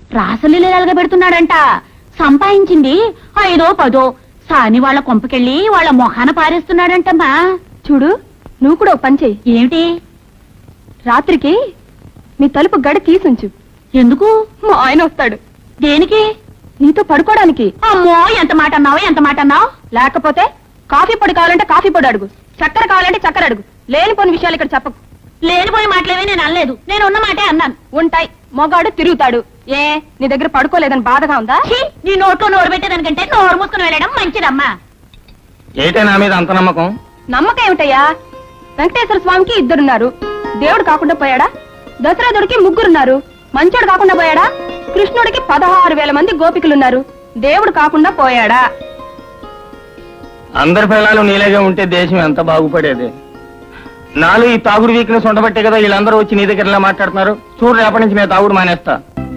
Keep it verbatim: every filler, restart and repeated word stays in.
రాసలీలగా పెడుతున్నాడంట. సంపాదించింది ఐదో పదో సాని వాళ్ళ కొంపకెళ్ళి వాళ్ళ మొహాన పారేస్తున్నాడంటమ్మా. చూడు, నువ్వు కూడా ఓ పని చెయ్యి. ఏమిటి? రాత్రికి నీ తలుపు గడ తీసుంచు. ఎందుకు? మా ఆయన వస్తాడు. దేనికి? నీతో పడుకోవడానికి. అమ్మో, ఎంత మాట అన్నావు, ఎంత మాట అన్నావు. లేకపోతే కాఫీ పొడి కావాలంటే కాఫీ పొడి అడుగు, చక్కెర కావాలంటే చక్కెర అడుగు. లేనిపోని విషయాలు ఇక్కడ చెప్పకు. లేనిపోయి మాటలేవే నేను అనలేదు, నేను ఉన్న మాటే అన్నాను. ఉంటాయి, మొగాడు తిరుగుతాడు. ఏ నీ దగ్గర పడుకోలేదని బాధగా ఉందా? నీ నోట్లో నోరు పెట్టేదానికంటే నోరు మూసుకుని వెళ్ళడం మంచిదమ్మా. ఏటే నా మీద అంత నమ్మకం? నమ్మకం ఏమిటయ్యా? వెంకటేశ్వర స్వామికి ఇద్దరున్నారు, దేవుడు కాకుండా పోయాడా? దశరథుడికి ముగ్గురున్నారు, మంచోడు కాకుండా పోయాడా? కృష్ణుడికి పదహారు వేల మంది గోపికలున్నారు, దేవుడు కాకుండా పోయాడా? అందరి పిల్లలు నీలాగే ఉంటే దేశం ఎంత బాగుపడేది. నాలుగు ఈ తాగుడు వీక్నెస్ ఉండబట్టే కదా వీళ్ళందరూ వచ్చి నీ దగ్గర ఇలా మాట్లాడుతున్నారు. చూడు, రేపటి నుంచి నేను తాగుడు మానేస్తా.